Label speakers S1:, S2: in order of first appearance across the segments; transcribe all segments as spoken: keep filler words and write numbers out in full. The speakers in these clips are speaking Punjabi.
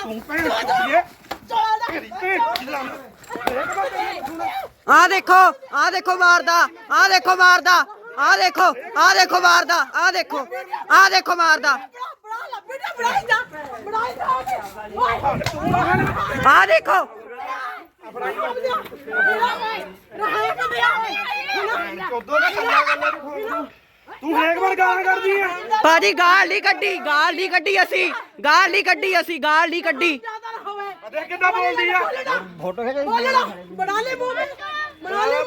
S1: ਆ ਦੇਖੋ ਆ ਦੇਖੋ ਮਾਰਦਾ ਆ ਦੇਖੋ ਮਾਰਦਾ ਆ ਦੇਖੋ ਆ ਦੇਖੋ ਮਾਰਦਾ ਆ ਦੇਖੋ ਆ ਦੇਖੋ ਮਾਰਦਾ ਆ ਦੇਖੋ
S2: ਤੂੰ ਹਰੇਕ ਵਾਰ ਗਾਲਾਂ ਕਰਦੀ ਆ
S1: ਭਾਜੀ ਗਾਲ ਨਹੀਂ ਕੱਢੀ ਗਾਲ ਨਹੀਂ ਕੱਢੀ ਅਸੀਂ ਗਾਲ ਨਹੀਂ ਕੱਢੀ ਅਸੀਂ ਗਾਲ ਨਹੀਂ ਕੱਢੀ
S2: ਦੇਖ ਕਿੱਦਾਂ ਬੋਲਦੀ ਆ
S3: ਫੋਟੋ ਖਿਚਾ
S4: ਬਣਾ ਲੈ ਮੂੰਹ ਬਣਾ ਲੈ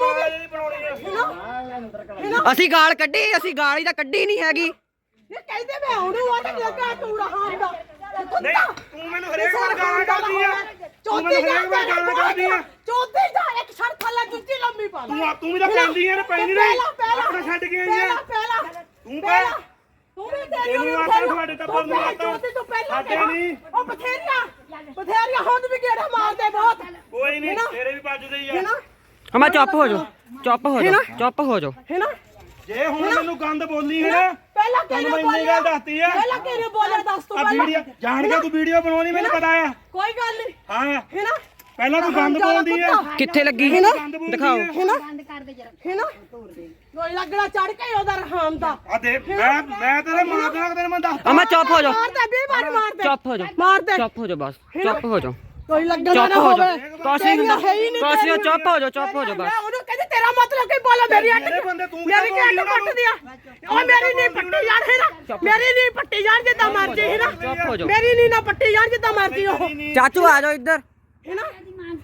S4: ਮੂੰਹ
S1: ਅਸੀਂ ਗਾਲ ਕੱਢੀ ਅਸੀਂ ਗਾਲ ਹੀ ਤਾਂ ਕੱਢੀ ਨਹੀਂ ਹੈਗੀ
S4: ਇਹ ਕਹਿੰਦੇ ਮੈਂ ਉਹਨੂੰ ਆ ਤੇ ਲੱਗਾ ਤੂੰ ਰਹਾ ਹੁੰਦਾ
S2: ਨਹੀਂ ਤੂੰ ਮੈਨੂੰ ਹਰੇਕ ਵਾਰ ਗਾਲਾਂ ਕਰਦੀ ਆ ਤੂੰ
S4: ਚੌਥੀ
S2: ਮੈਨੂੰ ਹਰੇਕ ਵਾਰ ਗਾਲਾਂ ਕਰਦੀ ਆ
S4: ਚੌਥੀ ਦਾ ਇੱਕ ਛੜ ਥੱਲੇ ਜੁੱਤੀ ਲੰਮੀ ਪਾ
S2: ਤੂੰ ਆ- ਤੂੰ ਵੀ ਤਾਂ ਪੈਂਦੀ ਆ ਨਾ ਪੈਂਦੀ ਨਹੀਂ ਆਪਣਾ ਛੱਡ ਕੇ ਆਈ ਆ
S4: ਪਹਿਲਾਂ
S2: ਤੂੰ ਪੈ
S4: ਤੂੰ ਵੀ ਤੇਰੀ
S2: ਤੈਨੂੰ ਆਖਿਆ ਤੁਹਾਡੇ ਟੱਬਰ ਨੂੰ ਆਖਿਆ।
S4: ਚੌਥੀ ਤੋਂ ਪਹਿਲਾਂ
S2: ਸਾਡੇ ਨਹੀਂ।
S4: ਉਹ ਬਥੇਰੀਆਂ ਬਥੇਰੀਆਂ ਹੁਣ ਵੀ ਗੇੜਾ ਮਾਰਦੇ ਬਹੁਤ
S2: ਕੋਈ ਨਹੀਂ ਤੇਰੇ ਵੀ ਵੱਜਦੇ ਹੀ ਆ
S4: ਹੈਨਾ
S1: ਅਮਾ ਚੁੱਪ ਹੋ ਜਾਓ ਚੁੱਪ ਹੋ ਜਾਓ ਚੁੱਪ ਹੋ ਜਾਓ
S4: ਹੈਨਾ
S2: ਜੇ ਹੁਣ ਮੈਨੂੰ ਗੰਦ ਬੋਲੀ ਹੈ ਨਾ
S4: ਪਹਿਲਾਂ
S2: ਤੈਨੂੰ
S4: ਕਿਹਨੇ
S2: ਮੈਂ ਇੰਨੀ ਗੱਲ ਦੱਸਤੀ ਆ
S4: ਪਹਿਲਾਂ ਕਿਹਨੇ ਬੋਲਿਆ ਦੱਸ ਤੂੰ
S2: ਆ
S4: ਪਹਿਲਾਂ
S2: ਵੀਡੀਓ ਜਾਣ ਕੇ ਤੂੰ ਵੀਡੀਓ ਬਣਾਉਣੀ ਮੈਨੂੰ ਪਤਾ ਆ
S4: ਕੋਈ ਗੱਲ ਨਹੀਂ
S2: ਹਾਂ
S4: ਹੈਨਾ
S2: ਪਹਿਲਾਂ ਤੂੰ ਗੰਦ ਬੋਲਦੀ ਆ
S1: ਕਿੱਥੇ ਲੱਗੀ
S2: ਗੰਦ ਬੋਲਦੀ
S1: ਦਿਖਾਓ
S2: ਆ।
S4: ਹੈਨਾ ਹੈਨਾ ਕੋਈ ਲੱਗਣਾ ਚੜ ਕੇ ਉਹਦਾ ਰਹਾਮ ਦਾ
S2: ਆ ਦੇ ਮੈਂ ਮੈਂ ਤੇਰੇ ਮਾਰ ਦੇਣਾ ਤੇਰੇ ਮੈਂ ਦੱਸ
S1: ਅਮਾ ਚੁੱਪ ਹੋ ਜਾਓ
S4: ਮਾਰਦੇ ਵੀਹ ਵਾਰ ਮਾਰਦੇ
S1: ਚੁੱਪ ਹੋ ਜਾਓ
S4: ਮਾਰਦੇ
S1: ਚੁੱਪ ਹੋ ਜਾਓ ਬਸ ਚੁੱਪ ਹੋ ਜਾਓ
S4: ਕੋਈ ਲੱਗਣਾ
S1: ਚੁੱਪ
S4: ਨਾ
S1: ਹੋ
S4: ਹੋਵੇ
S1: ਜਾਓ ਕੁਛ ਨਹੀਂ ਹੁੰਦਾ ਕੁਛ ਨਹੀਂ ਚੁੱਪ ਹੋ ਜਾਓ ਚੁੱਪ ਹੋ ਜਾਓ
S4: ਮੈਂ
S1: ਬਸ
S4: ਉਹਨੂੰ ਕਹਿੰਦੀ ਤੇਰਾ ਮਤਲਬ ਕੀ ਬੋਲਾ ਮੇਰੀ ਅੱਟ
S2: ਮੇਰੇ ਬੰਦੇ ਤੂੰ
S4: ਮੇਰੀ
S2: ਕਿਉਂ
S4: ਅੱਟ
S2: ਬੋਲੀ
S4: ਪੱਟ ਦਿਆ ਉਹ ਮੇਰੀ ਨਹੀਂ ਪੱਟੀ ਜਾਣ ਹੈ ਨਾ ਮੇਰੀ ਨਹੀਂ ਪੱਟੀ ਜਾਣ ਜਿੱਦਾਂ ਮਰਜੀ ਹੈ ਨਾ
S1: ਚੁੱਪ ਹੋ ਜਾਓ
S4: ਮੇਰੀ ਨਹੀਂ ਨਾ ਪੱਟੀ ਜਾਣ ਜਿੱਦਾਂ ਮਰਜੀ ਉਹ
S1: ਚਾਚੂ ਆ ਜਾਓ ਇੱਧਰ
S4: ਹੈ ਨਾ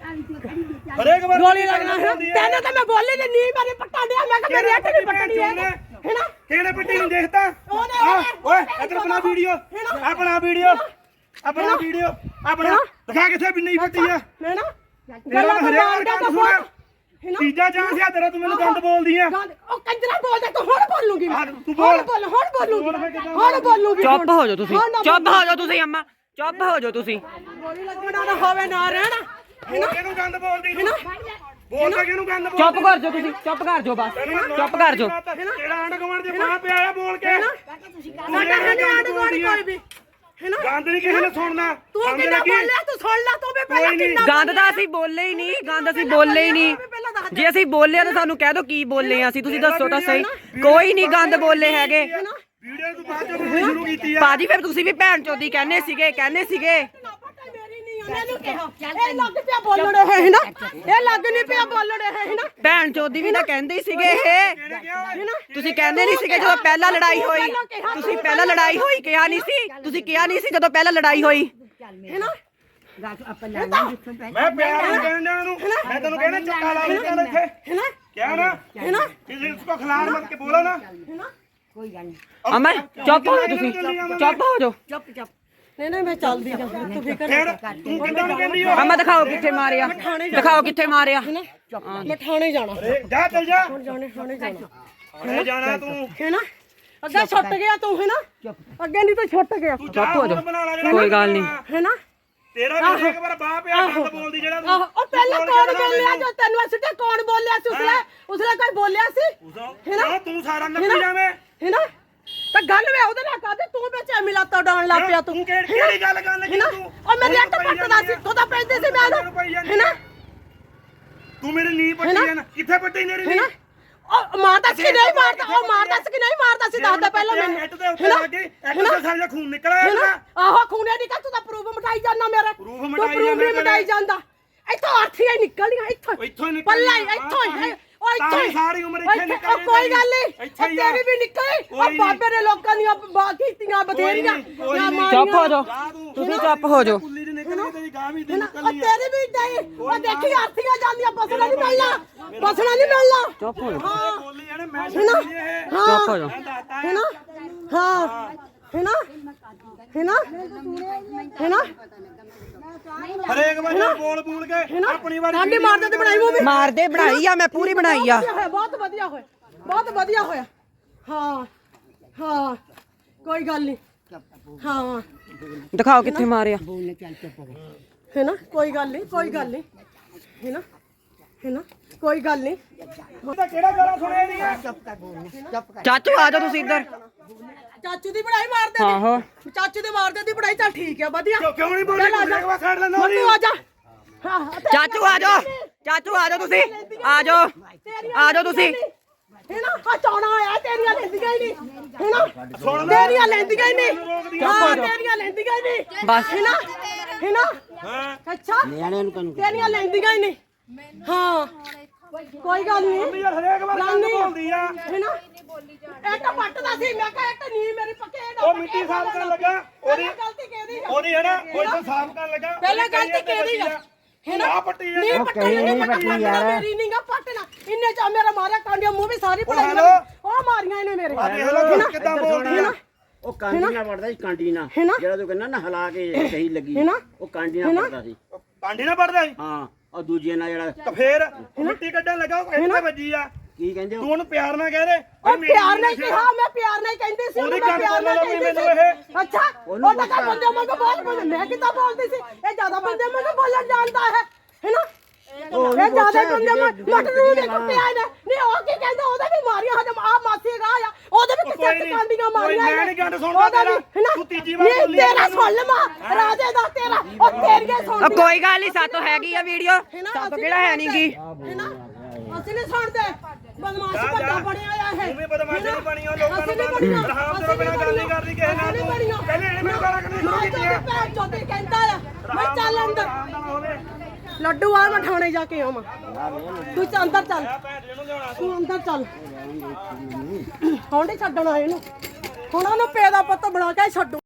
S2: ਹਰੇਕ ਵਾਰ
S4: ਗੋਲੀ ਲੱਗਣਾ ਹੈ ਤੈਨੂੰ ਤਾਂ ਮੈਂ ਬੋਲੀ ਤੇ ਨਹੀਂ ਮੇਰੇ ਪੱਟਾ ਦਿਆ ਮੈਂ ਕਿ ਮੇਰੀ ਅੱਟ ਨਹੀਂ ਪੱਟਣੀ ਹੈ ਹੈ ਨਾ
S2: ਕਿਹੜੇ ਪਿੱਟੀ ਨੂੰ ਦੇਖਦਾ
S4: ਉਹਨੇ-
S2: ਆ, ਓਏ ਇੱਧਰ ਬਣਾ ਵੀਡੀਓ ਆਪਣਾ ਵੀਡੀਓ ਆਪਣਾ ਵੀਡੀਓ ਆਪਣਾ ਦਿਖਾ ਕਿੱਥੇ ਵੀ ਨਹੀਂ ਫੱਟੀ ਆ
S4: ਹੈ ਨਾ
S2: ਤੇਰਾ ਤਾਂ ਹਰੇਕ ਵਾਰ ਗੰਦ ਸੁਣਾ
S4: ਹੈ ਨਾ
S2: ਤੀਜਾ ਚਾਂਸ ਆ ਤੇਰਾ ਤੂੰ ਮੈਨੂੰ ਗੰਦ ਬੋਲਦੀ ਆ
S4: ਗੰਦ- ਉਹ ਕੰਜਰਾ ਬੋਲਦਾ ਤੂੰ ਹੁਣ ਬੋਲੂਗੀ ਮੈਂ।
S2: ਹਾਂ, ਤੂੰ ਬੋਲ।
S4: ਹੁਣ ਬੋਲ ਹੁਣ ਬੋਲੂਗੀ ਹੁਣ ਬੋਲੂਗੀ
S1: ਚੁੱਪ ਹੋ ਜਾਓ ਤੁਸੀਂ
S4: ਹੁਣ ਨਾ
S1: ਚੁੱਪ ਹੋ ਜਾਓ ਤੁਸੀਂ ਅੰਮਾ ਚੁੱਪ ਹੋ ਜਾਓ ਤੁਸੀਂ
S4: ਗੋਲੀ ਲੱਗਣਾ ਨਾ ਹੋਵੇ ਨਾ ਰਹਿਣਾ
S2: ਹੋਰ ਕਿਹਨੂੰ ਗੰਦ ਬੋਲਦੀ ਤੂੰ ਬੋਲ ਤਾਂ ਕਿਹਨੂੰ ਗੰਦ ਬੋਲ
S1: ਚੁੱਪ ਕਰ ਜਾਓ ਤੁਸੀਂ ਚੁੱਪ ਕਰ ਜਾਓ ਬਸ ਚੁੱਪ ਕਰ ਜਾਓ
S2: ਤੇਰਾ ਆਂਡ ਗਵਾਂਡ ਦੇ ਮਾਂ ਪਿਆ ਆ ਬੋਲ ਕੇ
S4: ਸਾਡਾ ਹੈ ਨਹੀਂ ਆੜ ਗੋੜੀ ਕੋਈ ਵੀ ਹੈ ਨਾ
S2: ਗੰਦ ਨਹੀਂ ਕਿਸੇ ਨੇ ਸੁਣਨਾ
S4: ਤੂੰ
S2: ਸਮਝ
S4: ਕਿੰਨਾ
S2: ਲੱਗੀ
S4: ਬੋਲਿਆ ਤੂੰ ਸੁਣ ਲੈ ਤੂੰ ਵੀ ਪਹਿਲਾਂ
S2: ਕੋਈ ਨੀ।
S4: ਕਿੰਨਾ
S1: ਗੰਦ ਤਾਂ ਅਸੀਂ ਬੋਲੇ ਹੀ ਨਹੀਂ ਗੰਦ ਅਸੀਂ ਬੋਲੇ ਹੀ ਨਹੀਂ ਜੇ ਅਸੀਂ ਬੋਲੇ ਤਾਂ ਸਾਨੂੰ ਕਹਿ ਦਿਓ ਕੀ ਬੋਲੇ ਆ ਅਸੀਂ ਤੁਸੀਂ ਦੱਸੋ ਤਾਂ ਸਹੀ ਕੋਈ ਨਹੀਂ ਗੰਦ ਬੋਲੇ ਹੈਗੇ
S2: ਵੀਡੀਓ ਤੂੰ ਬਾਅਦ ਚੋਂ ਬਣਾਉਣੀ ਸ਼ੁਰੂ ਕੀਤੀ ਆ
S1: ਬਾਜੀ ਫਿਰ ਤੁਸੀਂ ਵੀ ਭੈਣ ਚੋਦੀ ਕਹਿੰਦੇ ਸੀਗੇ ਕਹਿੰਦੇ ਸੀਗੇ
S4: ਮੇਰੀ ਨਹੀਂ ਉਹਨੇ ਕਿਹਾ ਇਹ ਲੱਗ ਪਿਆ ਬੋਲਣ ਇਹ ਹੈ ਨਾ ਇਹ ਲੱਗ ਨਹੀਂ ਪਿਆ ਬੋਲਣ ਇਹ ਹੈ ਨਾ
S1: ਭੈਣ ਚੋਦੀ ਵੀ ਤਾਂ ਕਹਿੰਦੇ ਹੀ ਸੀਗੇ ਇਹ ਤੁਸੀਂ ਕਹਿੰਦੇ ਨਹੀਂ ਸੀਗੇ ਜਦੋਂ ਪਹਿਲਾਂ ਲੜਾਈ ਹੋਈ ਤੁਸੀਂ ਪਹਿਲਾਂ ਲੜਾਈ ਹੋਈ ਕਿਹਾ ਨਹੀਂ ਸੀ ਤੁਸੀਂ ਕਿਹਾ ਨਹੀਂ ਸੀ ਜਦੋਂ ਪਹਿਲਾਂ ਲੜਾਈ ਹੋਈ
S4: ਹੈ ਨਾ
S2: ਮੈਂ ਪਿਆਰ ਨਾਲ ਕਹਿਣ ਡਿਆ ਨੂੰ ਮੈਂ ਤੈਨੂੰ ਕਹਿਣਾ ਚੱਕਾ ਲਾ ਲੈ ਚੱਲ ਇੱਥੇ
S4: ਹੈ ਨਾ
S2: ਕਿਹਾ ਨਾ
S4: ਹੈ ਨਾ
S2: ਕਿਸੇ ਕੋ ਖਿਲਾੜ ਮਤ ਕੇ ਬੋਲੋ ਨਾ
S4: ਹੈ ਨਾ
S1: ਅਮਾ ਚੁੱਪ ਹੋ ਜਾਓ ਤੁਸੀਂ ਚੁੱਪ ਹੋ ਜਾਓ
S4: ਨਹੀਂ ਨਹੀਂ ਮੈਂ ਚੱਲਦੀ ਜਾ ਤੂੰ ਫਿਕਰ
S2: ਫਿਰ ਤੂੰ ਕਿੱਦਾਂ ਨੂੰ ਕਹਿੰਦੀ ਹੋ
S1: ਅਮਾ ਦਿਖਾਓ ਕਿੱਥੇ ਮਾਰਿਆ ਦਿਖਾਓ ਕਿੱਥੇ ਮਾਰਿਆ
S4: ਮੈਂ ਥਾਣੇ ਜਾਣਾ
S2: ਜਾ ਚੱਲ ਜਾ
S4: ਜਾਣੇ ਥਾਣੇ ਜਾਣਾ
S2: ਹੁਣੇ ਜਾਣਾ ਤੂੰ
S4: ਹੈ ਨਾ ਅੱਗੇ ਛੁੱਟ ਗਿਆ ਤੂੰ ਹੈ ਨਾ ਅੱਗੇ ਨਹੀਂ ਤਾਂ ਛੁੱਟ ਗਿਆ
S2: ਤੂੰ
S1: ਚੁੱਪ ਹੋ ਜਾਓ।
S2: ਬਣਾ ਲਾ ਜਿਹੜਾ
S1: ਕੋਈ ਗੱਲ ਨਹੀਂ
S4: ਹੈ ਨਾ
S2: ਤੇਰਾ ਵੀ ਇੱਕ ਵਾਰ ਬਾਹ ਪਿਆ ਗੰਦ ਬੋਲਦੀ ਜਿਹੜਾ ਤੂੰ
S4: ਆਹੋ ਉਹ ਪਹਿਲਾਂ ਕੌਣ ਬੋਲਿਆ ਜੋ ਤੈਨੂੰ ਅਸੀਂ ਤੇ ਕੌਣ ਬੋਲਿਆ ਸੀ ਉਸਲੇ ਉਸਲੇ ਕੋਈ ਬੋਲਿਆ ਸੀ
S2: ਨਾ ਤੂੰ ਸਾਰਾ ਨੱਪੀ ਜਾਵੇਂ
S4: ਹੈ ਨਾ ਤਾਂ ਗੱਲ ਵੇ ਉਹਦੇ ਨਾਲ ਕਰਦੇ ਤੂੰ ਵਿੱਚ ਐਵੇਂ ਲੱਤਾਂ ਡਾਉਣ ਲੱਗ ਪਿਆ ਤੂੰ
S2: ਤੂੰ ਕਿਹੜੀ ਕਿਹੜੀ ਗੱਲ ਕਰਨ
S4: ਹੈ
S2: ਲੱਗੀ
S4: ਨਾ
S2: ਤੂੰ
S4: ਉਹ ਮੇਰੇ ਅੱਟ ਪੱਟਦਾ ਸੀ ਤੂੰ ਤਾਂ ਪੈਂਦੇ ਸੀ ਮੈਂ ਹੈ ਨਾ
S2: ਤੂੰ ਮੇਰੀ ਨੀ ਪੱਟੀ ਜਾਣਾ ਕਿੱਥੇ ਪੱਟੀ ਮੇਰੀ
S4: ਹੈ
S2: ਨੀ
S4: ਨਾ ਉਹ ਮਾਰਦਾ ਸੀ ਕਿ ਨਹੀਂ ਮਾਰਦਾ ਉਹ ਮਾਰਦਾ ਸੀ ਕਿ ਨਹੀਂ ਮਾਰਦਾ ਸੀ ਦੱਸਦਾ ਪਹਿਲਾਂ ਮੈਨੂੰ
S2: ਇੱਟ ਦੇ ਉੱਤੇ ਲੱਗੇ ਇੱਟ ਤੇ ਸਾਰਾ ਖੂਨ ਨਿਕਲ ਆਇਆ ਇਹਦਾ
S4: ਆਹੋ ਖੂਨੇ ਦੀ ਤੂੰ ਤਾਂ ਪ੍ਰੂਫ ਮਟਾਈ ਜਾਂਦਾ ਮੇਰੇ
S2: ਪ੍ਰੂਫ
S4: ਤੂੰ
S2: ਮਿਟਾਈ
S4: ਪ੍ਰੂਫ
S2: ਜਾਂਦਾ
S4: ਨਹੀਂ ਮਟਾਈ ਜਾਂਦਾ ਇੱਥੋਂ ਅਰਥੀਆਂ ਨਿਕਲੀਆਂ ਇੱਥੋਂ
S2: ਇੱਥੋਂ ਹੀ ਨਿਕਲ
S4: ਪੱਲਾ ਹੀ ਇੱਥੋਂ ਹੀ ਉਹ ਇੱਥੋਂ ਹੀ
S2: ਸਾਰੀ ਉਮਰ ਇੱਥੇ ਨਿਕਲ
S4: ਉਹ ਕੋਈ ਗੱਲ ਨਹੀਂ
S2: ਇੱਥੇ ਹੀ
S4: ਤੇਰੀ ਵੀ ਨਿਕਲੀ ਉਹ ਬਾਬੇ ਨੇ ਲੋਕਾਂ ਦੀਆਂ ਕੀਤੀਆਂ ਬਥੇਰੀਆਂ
S1: ਚੁੱਪ ਹੋ ਜਾਓ ਤੁਸੀਂ ਚੁੱਪ ਹੋ ਜਾਓ
S2: ਕੁੱਲੀ ਦੀ ਨਿਕਲੀ ਤੇਰੀ ਗਾਂ ਵੀ ਦੀ
S4: ਉਹ
S2: ਨਿਕਲੀ
S4: ਤੇਰੀ ਵੀ ਨਹੀਂ ਉਹ ਦੇਖੀ ਅਰਥੀਆਂ ਜਾਂਦੀਆਂ ਬਸਣਾ ਨਹੀਂ ਮਿਲਣਾ ਬਸਣਾ ਨਹੀਂ ਮਿਲਣਾ
S1: ਚੁੱਪ ਹੋ ਜਾਓ
S4: ਹਾਂ
S2: ਬੋਲੀ ਜਾਣੇ ਮੈਂ ਸੁਣੀ ਇਹ
S4: ਹਾਂ
S1: ਚੁੱਪ ਹੋ ਜਾਓ
S4: ਹੈ ਨਾ ਹਾਂ ਹੈ ਨਾ ਹੈ ਨਾ ਹੈ ਨਾ
S2: ਹਰੇਕ ਵਾਰ ਬੋਲ ਬੋਲ ਕੇ ਆਪਣੀ ਵਾਰੀ
S4: ਸਾਡੀ ਮਾਰਦੇ ਤੇ ਬਣਾਈ ਮੂਵੀ
S1: ਮਾਰਦੇ ਬਣਾਈ ਆ ਮੈਂ ਪੂਰੀ ਬਣਾਈ ਆ
S4: ਬਹੁਤ ਵਧੀਆ ਹੋਇਆ ਬਹੁਤ ਵਧੀਆ ਹੋਇਆ ਹਾਂ ਹਾਂ ਕੋਈ ਗੱਲ ਨਹੀਂ ਹਾਂ
S1: ਦਿਖਾਓ ਕਿੱਥੇ ਮਾਰਿਆ
S4: ਹੈ ਨਾ ਕੋਈ ਗੱਲ ਨਹੀਂ ਕੋਈ ਗੱਲ ਨਹੀਂ ਹੈ ਨਾ ਹੈਨਾ ਕੋਈ ਗੱਲ ਨਹੀਂ
S2: ਉਹ ਤਾਂ ਕਿਹੜਾ ਗਾਲਾਂ ਸੁਣਿਆ ਨਹੀਂ ਹੈ
S1: ਚਾਚੂ ਆ ਜਾਓ ਤੁਸੀਂ ਇੱਧਰ
S4: ਚਾਚੂ ਦੀ ਪੜਾਈ ਮਾਰਦੇ
S1: ਆਹੋ
S4: ਦੀ ਚਾਚੂ ਦੇ ਮਾਰਦੇ ਦੀ ਪੜਾਈ ਚੱਲ ਠੀਕ ਆ ਵਧੀਆ
S2: ਕਿਉਂ ਕਿਉਂ ਨਹੀਂ ਬੋਲੀ
S4: ਚੱਲ ਆ ਜਾ।
S2: ਇੱਕ ਵਾਰ ਸਾਈਡ ਲੈਣਾ
S4: ਮੰਨੂ ਆ ਜਾ ਹਾਂ ਹਾਂ, ਤੇ-
S1: ਚਾਚੂ ਆ ਜਾਓ ਚਾਚੂ ਆ ਜਾਓ ਤੁਸੀਂ ਆ ਜਾਓ ਆ ਜਾਓ ਤੁਸੀਂ
S4: ਹੈਨਾ ਆ ਚੌਣਾ ਆਇਆ ਤੇਰੀਆਂ ਲੈਂਦੀਆਂ ਹੀ ਨਹੀਂ ਹੈਨਾ
S2: ਸੁਣ ਲੈ
S4: ਤੇਰੀਆਂ ਲੈਂਦੀਆਂ ਹੀ ਨਹੀਂ ਹਾਂ ਤੇਰੀਆਂ ਲੈਂਦੀਆਂ ਹੀ ਨਹੀਂ
S1: ਬਸ
S4: ਹੈਨਾ ਹੈਨਾ
S2: ਹਾਂ
S4: ਅੱਛਾ ਤੇਰੀਆਂ ਲੈਂਦੀਆਂ ਹੀ ਨਹੀਂ ਹਾਂ ਕੋਈ ਗੱਲ ਨਹੀਂ
S2: ਯਾਰ ਹਰੇਕ ਵਾਰ
S4: ਗੱਲ
S2: ਗੱਲ
S4: ਨਹੀਂ।
S2: ਬੋਲਦੀ ਆ
S4: ਹੈਨਾ ਇੱਕ ਪੱਟਦਾ ਸੀ ਮੈਂ ਕਿਹਾ ਇੱਕ ਨੀ ਮੇਰੀ ਪੱਕੇ
S2: ਉਹ ਮਿੱਟੀ ਸਾਫ਼ ਕਰਨ ਲੱਗਾ ਉਹਦੀ
S4: ਗਲਤੀ ਕਿਹਦੀ ਆ
S2: ਉਹਦੀ ਹੈ ਨਾ ਉਹ ਇੱਥੇ ਸਾਫ਼ ਕਰਨ ਲੱਗਾ
S4: ਪਹਿਲਾਂ ਗਲਤੀ ਕਿਹਦੀ ਆ ਹੈਨਾ
S2: ਆ ਪੱਟੀ
S4: ਨਹੀਂ
S2: ਆ
S4: ਪੱਟਣਾ ਨਹੀਂ ਪੱਟਣਾ ਮੇਰੀ ਨਹੀਂ ਗਾ ਪੱਟਣਾ ਇੰਨੇ ਚ ਮੇਰਾ ਮਾਰਿਆ ਕਾਂਡੀਆਂ ਮੂੰਹ ਵੀ ਸਾਰੀ
S2: ਉਹ
S4: ਪੜਾਈ
S2: ਹੈਲੋ।
S4: ਉਹ ਮਾਰੀਆਂ ਇਹਨੇ ਮੇਰੇ
S2: ਆ ਦੇਖ ਲਓ ਕਿੱਦਾਂ ਬੋਲਦੀ ਆ
S3: ਉਹ ਕਾਂਡੀ ਨਾਲ ਪੜਦਾ ਸੀ ਕਾਂਡੀ ਨਾਲ
S4: ਹੈਨਾ?
S3: ਜਿਹੜਾ ਤੂੰ ਕਹਿੰਦਾ ਨਾ ਹਿਲਾ ਕੇ ਸਹੀ ਲੱਗੀ
S4: ਹੈਨਾ?
S3: ਉਹ ਕਾਂਡੀ ਨਾਲ ਪੜਦਾ ਸੀ
S2: ਪਾਂਡੀ ਨਾ ਪੜਦਾ ਸੀ
S3: ਹਾਂ ਉਹ ਦੂਜੇ ਨਾਲ ਜਿਹੜਾ
S2: ਤਾਂ ਫੇਰ ਮਿੱਟੀ ਕੱਢਣ ਲੱਗਾ ਉਹ ਇੱਥੇ ਵੱਜੀ ਆ
S3: ਕੀ ਕਹਿੰਦੇ
S2: ਤੂੰ
S3: ਉਹ
S2: ਉਹਨੂੰ ਪਿਆਰ ਨਾਲ ਕਹਿ ਦੇ
S4: ਉਹ ਪਿਆਰ ਨਾਲ ਕਿਹਾ ਮੈਂ ਪਿਆਰ ਨਾਲ ਕਹਿੰਦੀ ਸੀ
S2: ਉਹਦੀ
S4: ਉਹਨੂੰ ਮੈਂ
S2: ਗੱਲ
S4: ਪਿਆਰ ਨਾਲ
S2: ਸੁਣ ਲਓ
S4: ਕਹਿੰਦੀ
S2: ਮੈਨੂੰ
S4: ਸੀ
S2: ਇਹ।
S4: ਅੱਛਾ ਉਹ ਤਾਂ ਕਰ ਬੰਦੇ ਮੈਂ ਬਹੁਤ ਬੋਲ ਮੈਂ ਕਿੱਦਾਂ ਬੋਲਦੀ ਸੀ ਇਹ ਜ਼ਿਆਦਾ ਬੰਦੇ ਮੈਨੂੰ ਬੋਲਣ ਜਾਣਦਾ ਹੈ ਹੈਨਾ ਇਹ ਜ਼ਿਆਦਾ ਬੰਦੇ ਮੈਂ ਮਟਰ ਨੂੰ ਦੇਖੋ ਪਿਆ ਨੇ ਨਹੀਂ ਉਹ ਕੀ ਕਹਿੰਦਾ ਉਹਦੇ ਵੀ ਮਾਰੀਆਂ ਹਜਮ ਆ ਮਾਸੀ ਗਾ ਆ ਉਹਦੇ ਵੀ
S2: ਕੋਈ
S4: ਕਿੱਥੇ
S2: ਨਹੀਂ,
S4: ਕਾਂਡੀਆਂ
S2: ਕੋਈ
S4: ਮਾਰੀਆਂ
S2: ਮੈਂ ਨਹੀਂ ਗੱਲ ਸੁਣਦਾ ਤੇਰਾ। ਤੂੰ ਤੀਜੀ ਵਾਰ ਬੋਲੀ ਆ
S4: ਤੇਰਾ
S2: ਮੈਨੂੰ।
S4: ਸੁਣ ਲਵਾਂ ਰਾਜੇ ਦਾ ਤੇਰਾ ਉਹ ਤੇਰੀਆਂ
S1: ਉਹ
S4: ਸੁਣਦੀ
S1: ਕੋਈ ਗੱਲ ਨਹੀਂ ਸਾਤੋਂ ਹੈਗੀ ਆ ਵੀਡੀਓ ਸਾਤੋਂ ਕਿਹੜਾ ਹੈ ਨਹੀਂਗੀ
S4: ਹੈਨਾ ਅਸੀਂ ਨਹੀਂ ਸੁਣਦੇ ਬਦਮਾਸ਼
S2: ਜਾ,
S4: ਵੱਡਾ
S2: ਜਾ।
S4: ਬਣਿਆ ਆ ਇਹ
S2: ਤੂੰ ਵੀ ਬਦਮਾਸ਼ੀ ਨਹੀਂ ਬਣੀ ਉਹ ਲੋਕਾਂ
S4: ਅਸੀਂ
S2: ਨੂੰ
S4: ਨਹੀਂ ਬਣੀਆਂ।
S2: ਰਹਾਮ
S4: ਅਸੀਂ
S2: ਤੋਂ ਬਿਨਾਂ ਗੱਲ ਨਹੀਂ
S4: ਬਣੀਆਂ।
S2: ਕਰਦੀ ਕਿਸੇ ਨਾਲ
S4: ਅਸੀਂ
S2: ਤੂੰ
S4: ਨਹੀਂ ਬਣੀਆਂ।
S2: ਪਹਿਲੇ ਇਹਨੇ ਮੈਨੂੰ ਗਾਲਾਂ ਕੱਢਣੀ ਸ਼ੁਰੂ
S4: ਮੈਂ
S2: ਕੀਤੀਆਂ
S4: ਜਦੋਂ ਭੈਣ ਚੋਦੀ ਕਹਿੰਦਾ ਆ ਮੈਂ ਚੱਲ ਅੰਦਰ
S2: ਆਰਾਮ ਨਾਲ ਹੋਵੇ
S4: ਲੱਡੂ ਆ ਮੈਂ ਥਾਣੇ ਜਾ ਕੇ ਆਵਾਂ ਤੂੰ ਚ ਅੰਦਰ ਚੱਲ
S2: ਆ ਭੈਣ ਜੀ ਨੂੰ ਲਿਆਉਣਾ
S4: ਤੂੰ ਅੰਦਰ ਚੱਲ ਹੁਣ ਨਹੀਂ ਛੱਡਣਾ ਇਹਨੂੰ ਹੁਣ ਉਹਨੂੰ ਪੇ ਦਾ ਪੁੱਤ ਬਣਾ ਕੇ ਛੱਡੂ